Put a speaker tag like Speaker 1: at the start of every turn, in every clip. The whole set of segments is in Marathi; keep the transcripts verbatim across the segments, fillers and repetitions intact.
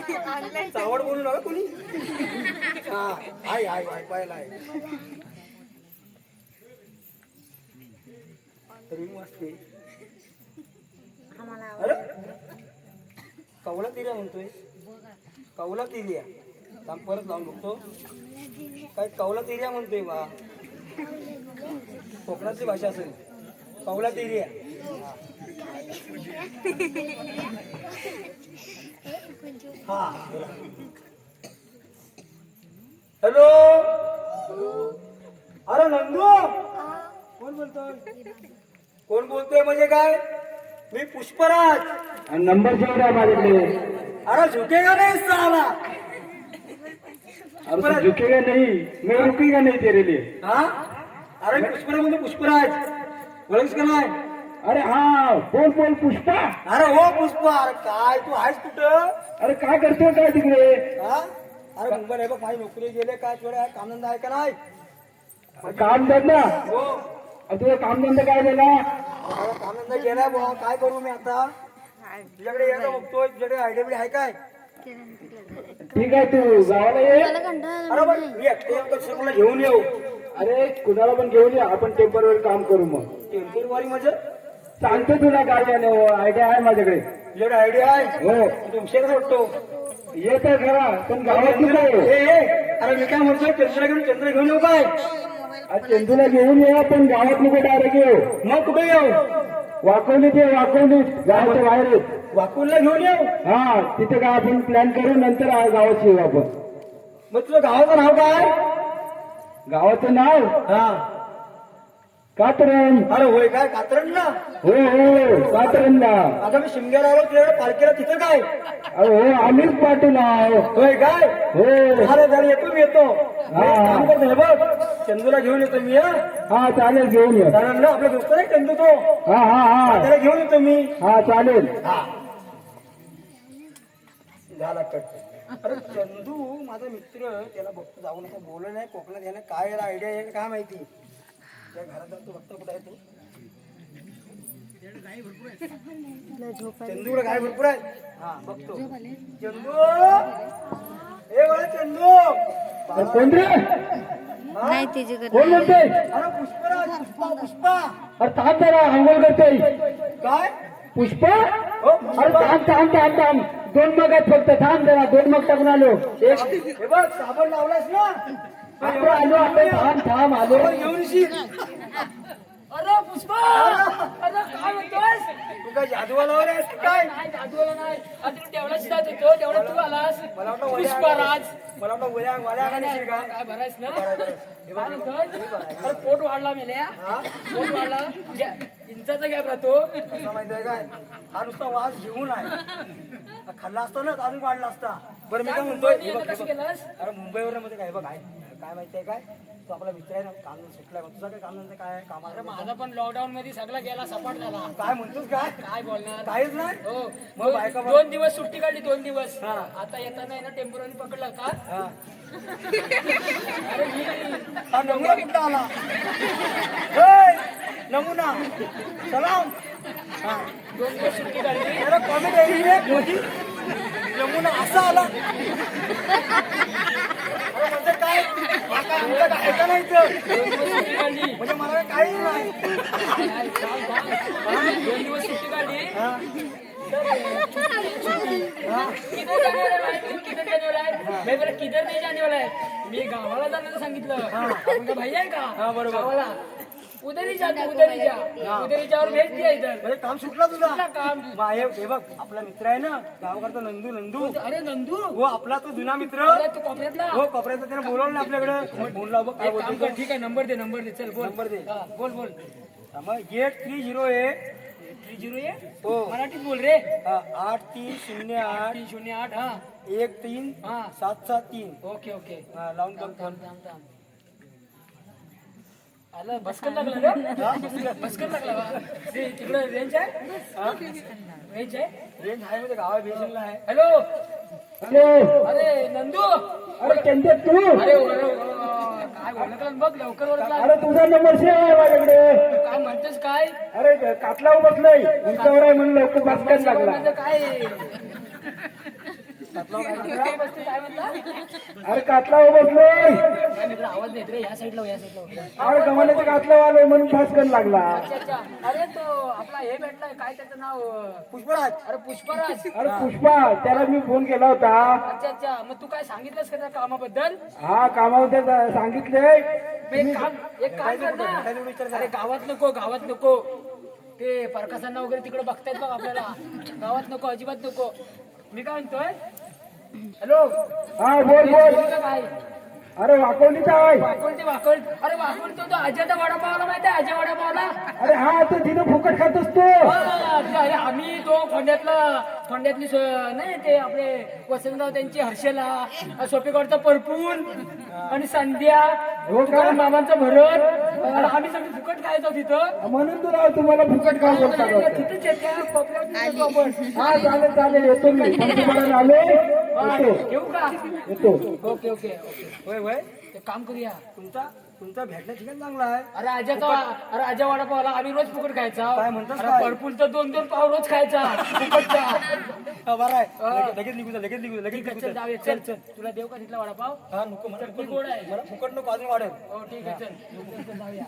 Speaker 1: चावड बोलू नका कोणी. हा आहे आहे ऐकायला आहे तरी वाजते. अरे कवला तिर्या म्हणतोय. कवला तिर्या थांब परत लावून बघतो. काय कवला तिर्या म्हणतोय बा. कोकणातली भाषा असेल. कवला तिर्या. हा हॅलो. अरे नंदू कोण बोलतोय. कोण बोलतोय म्हणजे काय. मी पुष्पराज.
Speaker 2: नंबर जेवढा आहे माझ्याकडे.
Speaker 1: अरे झुकेगा नाही साला.
Speaker 2: अरे झुकेगा नहीं मैं रुकेगा नहीं तेरे लिए.
Speaker 1: हा अरे पुष्पराज म्हणजे पुष्पराज ओळखस का नाही.
Speaker 2: अरे हा बोल बोल पुष्पा.
Speaker 1: अरे हो पुष्पा. अरे काय तू आहेस कुठं.
Speaker 2: अरे काय करतोय काय तिकडे.
Speaker 1: हा अरे मुंबई बघ माझी नोकरी गेले काय थोड्या कामधंदा आहे का नाही.
Speaker 2: कामधंदा.
Speaker 1: हो
Speaker 2: तुझा कामधंदा काय झाला.
Speaker 1: अरे कामधंदा गेलाय बुवा. काय करू मी आता. तुझ्याकडे यायला बघतोय. तुझ्याकडे आयडिया बिडिया आहे काय.
Speaker 2: ठीक आहे तू गावाला ये.
Speaker 1: अरे पण मी एकटे मला घेऊन येऊ.
Speaker 2: अरे कुणाला पण घेऊन ये. आपण टेम्पररी काम करू मग.
Speaker 1: टेम्पोरवारी म्हणजे
Speaker 2: सांगतो तुला काय आयडिया आहे माझ्याकडे.
Speaker 1: तुझ्याकडे आयडिया आहे.
Speaker 2: हो
Speaker 1: तुमच्याकडे वाटतो
Speaker 2: येत आहे खरा पण गावात कुठे.
Speaker 1: अरे मी काय म्हणतोय चंद्र घेऊन चंद्र घेऊन येऊ काय.
Speaker 2: चंदूला घेऊन ये पण गावात नको डायरेक्ट येऊ.
Speaker 1: मग कुठे येऊ.
Speaker 2: वाकवलीत ये वाकवलीत गावाच्या बाहेर.
Speaker 1: वाकुलला घेऊन येऊ.
Speaker 2: हा तिथे काय आपण प्लॅन करू नंतर गावात येऊ आपण.
Speaker 1: मग तुझं गावाचं नाव काय.
Speaker 2: गावाचं नाव
Speaker 1: हा
Speaker 2: कातरण.
Speaker 1: अरे होय काय कातरण ना.
Speaker 2: हो हो कातरणला.
Speaker 1: आता मी शिमग्याला आलो तुझ्याकडे पालखीला तिथं काय.
Speaker 2: अरे हो आम्हीच पाटील आहो.
Speaker 1: होय काय.
Speaker 2: हो
Speaker 1: अरे जरा येतो मी येतो.
Speaker 2: हा.
Speaker 1: काम करतो हे बघ चंदूला घेऊन येतो मी. हा
Speaker 2: हा चालेल घेऊन ये.
Speaker 1: कारण ना आपला दोस्त नाही चंदू तो.
Speaker 2: हा हा हा
Speaker 1: त्याला घेऊन येतो मी.
Speaker 2: हा चालेल.
Speaker 1: हा झाला कट. अरे चंदू माझा मित्र त्याला बघतो जाऊन असं बोललं नाही कोकणात याला काय याला आयडिया आहे काय माहिती. त्या घरात जातो बघतो कुठे आहे तू. चंदूकडे गाय भरपूर आहे. हा बघतो चंदू. ए बघा चंदू.
Speaker 2: कोण रे.
Speaker 3: नाही तिची
Speaker 2: कोण म्हणते.
Speaker 1: अरे पुष्पराज पुष्पा पुष्पा.
Speaker 2: अरे थांब जरा अंघोळ करते.
Speaker 1: काय
Speaker 2: पुष्पा.
Speaker 1: हो
Speaker 2: अरे थांब थांब थांब थांब दोन मग आहेत फक्त. थांब जरा दोन मग टाकून आलो.
Speaker 1: हे बघ साबण लावलास ना.
Speaker 2: आपण आलो आपण. थांब थांब आलो.
Speaker 1: साबण घेऊन येशील.
Speaker 4: अरे पुष्पा. अरे काय म्हणतोस.
Speaker 1: तू काय जादूवाला वगैरे आहेस का काय.
Speaker 4: काय जादूला नाही. आता तू तेवढाच जात होतो तेवढा तू आलास.
Speaker 1: मला वाटलं
Speaker 4: पुष्पराज.
Speaker 1: मला वाटलं वल्या वल्या आणशील का.
Speaker 4: काय भरायस ना. काय म्हणतोस. अरे पोट वाढला मेल्या. पोट वाढला. इंचाचा गॅप राहतो.
Speaker 1: कसं माहितीये काय हा नुसता वास घेऊन आहे. हा खाल्ला असता ना तर अजून वाढला असता. बरं मी काय म्हणतोय हे बघ, हे
Speaker 4: कसं
Speaker 1: बघ.
Speaker 4: केलास.
Speaker 1: अरे मुंबईवर मध्ये काय बघ आहे काय माहितीये काय तो आपला मित्र आहे ना काम सुटलाय. तुझा काय काम नंतर काय
Speaker 4: अरे
Speaker 1: कामाला.
Speaker 4: माझा पण लॉकडाऊन मध्ये सगळा गेला सपाट झाला.
Speaker 1: काय म्हणतोस काय
Speaker 4: काय बोलणार.
Speaker 1: काहीच नाही.
Speaker 4: हो
Speaker 1: मग
Speaker 4: दोन-
Speaker 1: बायका बघ.
Speaker 4: दोन दिवस सुट्टी काढली दोन दिवस.
Speaker 1: हा.
Speaker 4: आता येताना आहे ना टेम्पोररी पकडला का.
Speaker 1: हा
Speaker 4: अरे मी
Speaker 1: हा नमुना कुठला आला. होय, नमुना सलाम. हा
Speaker 4: दोन दिवस सुट्टी काढली.
Speaker 1: अरे कॉमेडी आहे रे मोदी. नमुना असा आला. अरे म्हणजे काय हा काय आमचं काय ऐका नाही इथं.
Speaker 4: दोन दिवस सुट्टी काढली.
Speaker 1: म्हणजे मला काही नाही.
Speaker 4: दोन दिवस सुट्टी काढली.
Speaker 1: हा
Speaker 4: किधर जाने वाला है तू. किधर जाने वाला है. मैं बोला किधर नहीं जाने वाला है. मी गावाला जाण्याचं सांगितलं. आपण भाई आहे का.
Speaker 1: हा, बरोबर.
Speaker 4: गावाला उधर ही जा तू, उधर ही जा. उधर ही जा और भेज दिया इधर.
Speaker 1: म्हणजे काम सुटला तुझा.
Speaker 4: सुटला काम.
Speaker 1: वा, हे हे बघ आपला मित्र आहे ना गावकरचा नंदू नंदू.
Speaker 4: अरे नंदू.
Speaker 1: हो आपला तो जुना मित्र.
Speaker 4: अरे तू कोपऱ्यातला.
Speaker 1: हो कपड्याचं त्याने बोलवलं ना आपल्याकडे. फोन लाव बघ काय
Speaker 4: एक काम
Speaker 1: बोलतो.
Speaker 4: कर, ठीक आहे नंबर दे नंबर दे चल बोल.
Speaker 1: नंबर दे.
Speaker 4: हा, बोल बोल.
Speaker 1: मग eight three zero eight
Speaker 4: three zero ये
Speaker 1: हो
Speaker 4: मराठीत बोल रे.
Speaker 1: आठ तीन शून्य आठ
Speaker 4: तीन शून्य आठ हा
Speaker 1: एक तीन
Speaker 4: हा
Speaker 1: सात सात तीन.
Speaker 4: Okay okay.
Speaker 1: हा, लावून
Speaker 4: थांब
Speaker 1: बघ.
Speaker 4: थांब थांब थांब. आला बसकन लागला का. बसकन लागला का. ते तिकडे रेंज आहे. रेंज आहे.
Speaker 1: रेंज आहे म्हणजे गावा बेसनला आहे.
Speaker 4: हॅलो.
Speaker 2: हॅलो.
Speaker 4: अरे नंदू.
Speaker 2: अरे चंदे तू.
Speaker 4: अरे अरे, अरे, काय बोलत बघ लवकर ओळखला.
Speaker 2: अरे तुझा नंबर सेव आहे माझ्याकडे.
Speaker 4: काय म्हणतेस काय.
Speaker 2: अरे कातला बसलाय उंचावर आहे म्हणून लवकर बसकायला लागला.
Speaker 4: म्हणजे काय. काय बसते, काय म्हणला?
Speaker 2: अरे कातला हो बसलोय.
Speaker 4: काय मित्र आवाज देत रे, या साईडला हो, या साईडला हो.
Speaker 2: अरे गव्हाण्याचं कातलं आलोय म्हणून फास कर लागला.
Speaker 4: अच्छा अच्छा. अरे तो आपला हे भेटलाय, काय त्याचं नाव?
Speaker 1: पुष्पराज.
Speaker 4: अरे पुष्पराज.
Speaker 2: अरे पुष्पा, त्याला मी फोन केला होता.
Speaker 4: अच्छा अच्छा. मग तू काय सांगितलंस का त्या कामाबद्दल?
Speaker 2: हा कामामध्ये जा- सांगितले.
Speaker 4: मग एक काम एक काम कर ना. अरे गावात नको, गावात नको. ते परकासांना वगैरे तिकडे बघतायत बघ आपल्याला. गावात नको, अजिबात नको. मी काय म्हणतोय, हॅलो,
Speaker 2: हा बोल बोल.
Speaker 4: काय
Speaker 2: अरे वाकवलीचा आहे.
Speaker 4: वाकवण ते वाकवण. अरे वाकवण तो तो अजयचा वडापावला माहिती आहे, अजय वडापावला.
Speaker 2: अरे हा तो तिथं फुकट खात असतो.
Speaker 4: हा, ते अरे आम्ही तो खोंड्यातला खोंड्यातली सो- नाही ते आपले वसंतराव त्यांची हर्षला, सोपेगावचा परपून आणि संध्या,
Speaker 2: हो का?
Speaker 4: तुकाराम मामांचं भरत. अरे आम्ही सगळे फुकट खायचो तिथं.
Speaker 2: म्हणून तुला तुम्हाला फुकट काम बोलतात.
Speaker 4: तिथंच आहे, त्या कोपऱ्यात तिथंच आपण.
Speaker 2: हा चालेल चालेल येतो मी. पंतप्रधान आले
Speaker 4: हा,
Speaker 2: येतो
Speaker 4: येऊ का?
Speaker 2: येतो.
Speaker 4: Okay okay okay.
Speaker 1: होय होय.
Speaker 4: ते काम करूया.
Speaker 1: तुमचा तुमचा भेटला ठिकाण चांगला आहे.
Speaker 4: अरे आजाचा अरे आजा वडापावला आम्ही रोज फुकट खायचा.
Speaker 1: काय म्हणतोस
Speaker 4: अरे
Speaker 1: काय?
Speaker 4: भरपूर तर दोन दोन पाव रोज खायचा फुकटचा.
Speaker 1: हा, बरं आहे. लगेच- लगेच निघू जा, लगेच निघू जा, लगेच
Speaker 4: ठीक आहे,
Speaker 1: निघू
Speaker 4: चल
Speaker 1: जा.
Speaker 4: जाऊया. चल चल तुला देऊ का तिथला वडापाव?
Speaker 1: हा नको मला
Speaker 4: चटणी
Speaker 1: फुकट
Speaker 4: गोड
Speaker 1: नको.
Speaker 4: आहे.
Speaker 1: मला फुकट नको, अजून वाढेल.
Speaker 4: हो ठीक आहे, चल चल, चल, जाऊया.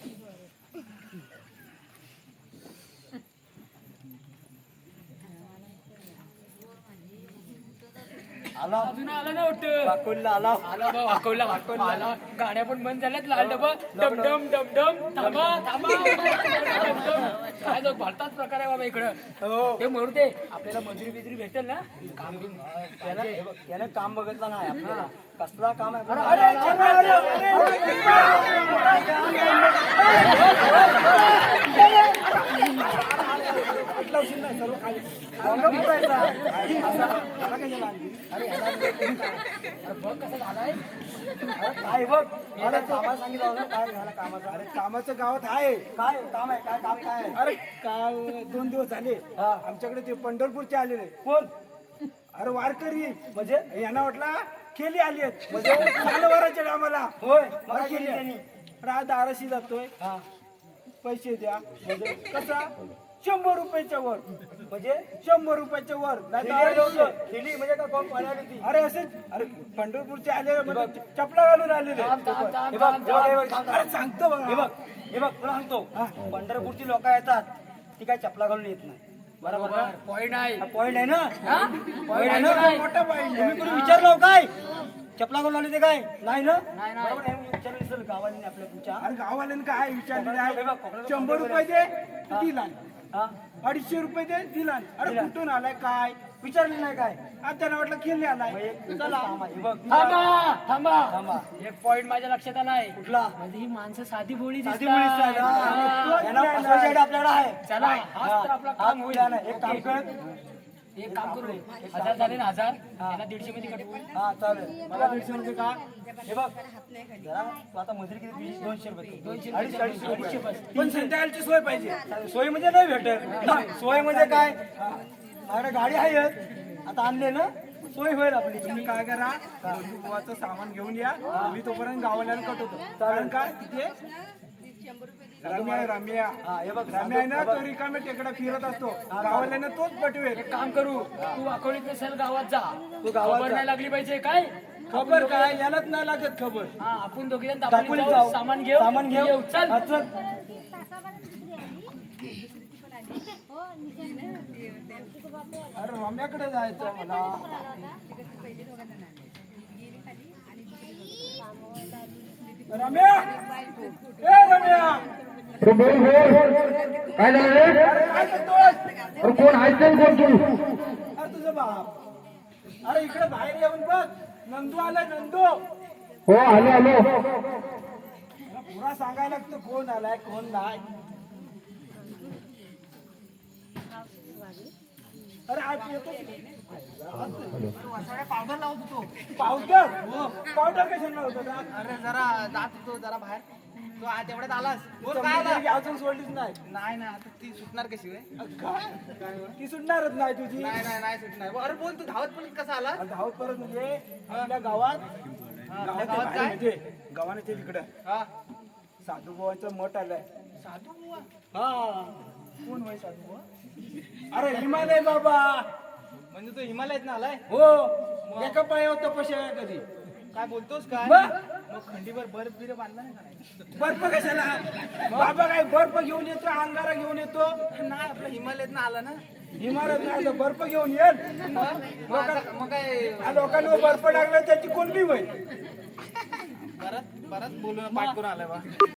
Speaker 1: आला
Speaker 4: अजून आला ना वाटतं.
Speaker 1: वाकोलीला आला.
Speaker 4: आला बा वाकवला वाकवला आला. गाड्या पण बंद झाल्यात. लाल डबा डमडम डमडम. थांबा थांबा डमडम. काय जो भलताच प्रकार आहे बाबा इकडं.
Speaker 1: हो.
Speaker 4: ते मरू दे, आपल्याला मजुरी बिजुरी भेटेल ना. काम बिम
Speaker 1: त्यानं हे बघ, त्यानं काम बघितलं नाही आपल्याला. कसला काम आहे
Speaker 4: अरे,
Speaker 1: अरे,
Speaker 4: अरे, अरे, अरे बघ कसं झालाय.
Speaker 1: काय बघ मला कामाला सांगितलं होतं. काय झालं कामाचं? अरे कामाचं गावात आहे. काय काम आहे? काय काम काय आहे? अरे काल दोन दिवस झाले आमच्याकडे ते पंढरपूरचे आलेले. कोण? अरे वारकरी. म्हणजे यांना वाटला केली आली आहेत. म्हणजे सालवाराच्या कामाला. होय मला केली त्यांनी. रात दाराशी जातोय. पैसे द्या. म्हणजे कसा? शंभर रुपयाच्या वर. म्हणजे शंभर रुपयाच्या वर. केली म्हणजे का कोण पळाली ती? अरे असेच. अरे पंढरपूरचे आलेले म्हणजे चपला घालून आलेले.
Speaker 4: थांब, थांब, थांब,
Speaker 1: हे बघ,
Speaker 4: थांब,
Speaker 1: हे बघ, हे बघ,
Speaker 4: थांब.
Speaker 1: अरे सांगतो बघ. हे बघ हे बघ तुला सांगतो. पंढरपूरची लोक येतात ती काय चपला घालून येत नाही. बरोबर ना?
Speaker 4: पॉईंट आहे.
Speaker 1: पॉईंट आहे ना?
Speaker 4: हा?
Speaker 1: पॉईंट आहे ना?
Speaker 4: नाही.
Speaker 1: मोठा पॉईंट. तुम्ही कोणी विचारलं काय चपला घालून आले ते काय? नाही ना?
Speaker 4: नाही, नाही.
Speaker 1: बरोबर आहे. विचारलं असेल गावाने आपल्या तुमच्या.
Speaker 2: अरे गावाल्यानं काय विचारलेलं
Speaker 1: हे
Speaker 2: आहे?
Speaker 1: बघ, कोकणात
Speaker 2: शंभर रुपये दे दिला.
Speaker 1: हा?
Speaker 2: अडीचशे रुपये दे दिला. अरे
Speaker 1: दिला.
Speaker 2: कुठून आलाय काय?
Speaker 1: विचारलं नाही काय?
Speaker 2: आता त्यांना वाटलं खेळले आलाय.
Speaker 1: मग एक चला हे बघ
Speaker 4: थांबा थांबा
Speaker 1: थांबा.
Speaker 4: एक पॉइंट माझ्या लक्षात आलाय.
Speaker 1: कुठला?
Speaker 4: म्हणजे ही माणसं साधी बोळी
Speaker 1: साधी
Speaker 4: दिसतात.
Speaker 1: मुलीच आहे ना.
Speaker 4: हा.
Speaker 1: यांना फसवायची आयडिया आपल्याकडे आहे.
Speaker 4: चला हाच तर आपला
Speaker 1: हा,
Speaker 4: काम होईल.
Speaker 1: हा, नाही, एक काम कर.
Speaker 4: एक काम करू. हजार झाले ना हजार त्याला दीडशे मध्ये कट.
Speaker 1: हा चालेल. मला दीडशे रुपये का? हे बघ जरा तू आता मजुरी किती तुझी? दोनशे रुपये.
Speaker 4: दोनशे
Speaker 1: अडीचशे अडीचशे
Speaker 4: अडीचशे
Speaker 1: रुपये.
Speaker 4: बस.
Speaker 1: पण संध्याकाळची सोय पाहिजे. सोय म्हणजे नाही भेटत ना. सोय म्हणजे काय? माझ्याकडे गाडी आहे आता आणले ना. सोय होईल आपली.
Speaker 2: तुम्ही काय करा बुवाचं सामान घेऊन या. मी तोपर्यंत गावाल्यानं कटवतो. कारण काय तिथे रम्या आहे, रम्या
Speaker 1: हा हे बघ
Speaker 2: रम्या आहे ना तो रिकामे टेकडा फिरत असतो. गावाल्यानं तोच पटवेल.
Speaker 4: एक काम करू. तू अकोलीत नसेल गावात जा.
Speaker 1: तू गावात
Speaker 4: खबर
Speaker 1: जा.
Speaker 4: नाही लागली पाहिजे काय.
Speaker 2: खबर काय यालाच नाही लागत खबर.
Speaker 4: हा आपण दोघे जण
Speaker 1: दापोलीत
Speaker 4: दापोलीत
Speaker 1: जाऊ.
Speaker 4: जाऊ. सामान घेऊ
Speaker 1: सामान घेऊ.
Speaker 4: येऊ. चल
Speaker 1: हा, चल.
Speaker 2: अरे रम्याकडे जायचं मला. रम्या ए रम्या
Speaker 5: अरे बोल बोल काय झालं रे?
Speaker 2: काय करतोस?
Speaker 5: अरे कोण आहेस ते कोण तू?
Speaker 2: अरे तुझं बाप. अरे इकडे बाहेर येऊन बघ. नंदू आलाय नंदू.
Speaker 5: हो आलो आलो.
Speaker 2: मला पुरा सांगायला लागतं कोण आलाय कोण नाही. अरे आज येतो
Speaker 1: पावडर लावत होतो.
Speaker 2: पावडर पावडर कशाला होतं का?
Speaker 1: अरे जरा जात होतो जरा बाहेर. तू आज तेवढ्यात आलास. बोल काय
Speaker 2: समजून
Speaker 1: आला?
Speaker 2: घे, अजून सोडलीच नाही.
Speaker 1: नाही ना आता ती सुटणार कशी होय?
Speaker 2: काय? ती सुटणारच नाही तुझी.
Speaker 1: नाही नाही नाही सुटणार. अरे बोल तू धावत पण कसा आला?
Speaker 2: आणि धावत परत म्हणजे आपल्या गावात गावात
Speaker 1: गावात
Speaker 2: काय
Speaker 1: काय?
Speaker 2: म्हणजे गावाने तिकडं
Speaker 1: हा
Speaker 2: साधू भावांचं मठ आलंय.
Speaker 1: साधू बुवा.
Speaker 2: हा कोण होय साधू भाऊ? अरे हिमालय बाबा.
Speaker 1: म्हणजे तू हिमालयात ना आलाय?
Speaker 2: हो
Speaker 1: एका पायावर तपश्या आहे कधी
Speaker 2: काय बोलतोस काय
Speaker 1: मग?
Speaker 2: मग खंडीवर बर्फ बिरफ आणला नाही का नाही?
Speaker 1: बर्फ कशाला बाबा काय बर्फ घेऊन येतो अंगारा घेऊन येतो
Speaker 2: नाही आपलं हिमालयात आला ना
Speaker 1: इमारत नाही तर बर्फ घेऊन येईल
Speaker 2: मग आता- मग काय
Speaker 1: हा लोकांवर बर्फ टाकला त्याची कोणती होईल
Speaker 2: परत परत बोलून पाठ करून आलाय बा